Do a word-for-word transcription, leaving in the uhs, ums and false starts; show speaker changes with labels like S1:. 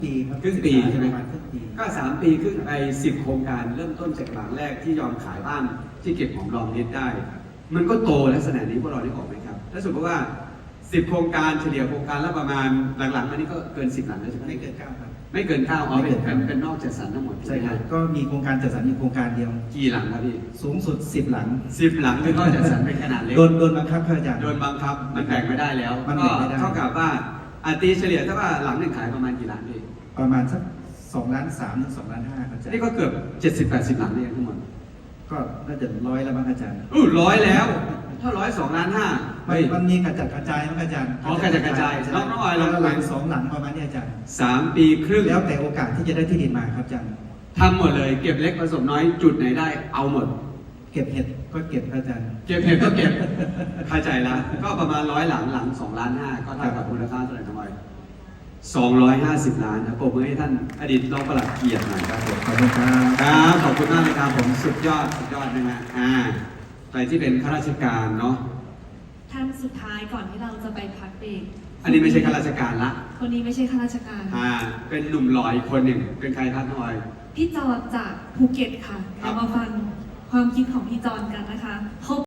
S1: ปีครับ
S2: ครึ่งปีใช่ไหม
S1: ประมาณครึ่งปี
S2: ก็สามปีครึ่งไปสิบโครงการเริ่มต้นจากหลังแรกที่ยอมขายบ้านที่เก็บหอมรอมริบได้ มันก็โตลักษณะนี้พวกเราได้ออกไหมครับถ้าสมมติว่าสิบโครงการเฉลี่ยโครงการละประมาณหลังๆมานี้ก็เกินสิบหลังแล้วใช่ไหม
S1: ไม่เกินเก้าครับ
S2: ไม่เกินเก้าอ๋อ
S1: ไม่
S2: เป็
S1: เกิ
S2: น
S1: น
S2: เป็น
S1: เก้า
S2: เป็นนอกจัดสรรทั้งหมด
S1: ใช่ครับ
S2: ไหม
S1: ก็มีโครงการจัดสรรอยู่โครงการเดียว
S2: กี่หลังครับพี่
S1: สูงสุดสิบหลัง
S2: สิบหลังคือนอกจัดสรรเป็นขนาดเล็ก
S1: โดนโดนบังคับครับอาจารย์
S2: โดนบังคับมันแบ่งไม่ได้แล้ว
S1: มัน
S2: ก็
S1: แบ่งไม่ได้
S2: เท่ากับว่าอาตีเฉลี่ยถ้าว่าหลังหนึ่งขายประมาณกี่ล้านพี่
S1: ประมาณสักสองล้านสามถึงสองล้านห้าครับอาจารย์
S2: นี่ก็เกือบเจ็ดสิบแปดสิบหลังเนี่ยทั้งหมด
S1: ก็น่าจะร้อยแล้วมั้งอาจารย์
S2: อู้ร้อยแล้ว ถ้าร้อยสองล้านห้า
S1: มันมันมีกระจัดกระจายมั้งอาจารย์
S2: อ๋อกระจัดกระจาย
S1: ใช่
S2: น้องน้องออย
S1: แล้
S2: เรา
S1: วหลังสองหลังประมาณนี้อาจารย์
S2: สามปีครึ่ง
S1: แล้วแต่โอกาสที่จะได้ที่ดินมาครับอาจารย์
S2: ทำหมดเลยเก็บเล็กผสมน้อยจุดไหนได้เอาหมด
S1: เก็บเห็ดก็เก็บครับอาจารย์
S2: เก็บเห็ดก็เก็บเข้าใจละก็ประมาณร้อยหลังหลังสองล้านห้าก็เท่ากับมูลค่าเท่าไหร่ทั้งหมดสองร้อยห้าสิบล้านนะปรบมือให้ท่านอดีตรองปลัดเกียรติหน่อยครับผม
S1: ขอบคุณครับ
S2: ครับขอบคุณมากเลยครับผมสุดยอดสุดยอดนะฮะอ่าใครที่เป็นข้าราชการเนาะ
S3: ท่านสุดท้ายก่อนที่เราจะไปพักเบรก
S2: อันนี้ไม่ใช่ข้าราชการละ
S3: คนนี้ไม่ใช่ข้าราชการ
S2: อ่าเป็นหนุ่มหล่ออีกคนหนึ่งเป็นใครครับน้องออย
S3: พี่จอนจากภูเก็ตค่ะ
S2: ครับ
S3: เรามาฟังความคิดของพี่จอนกันนะคะ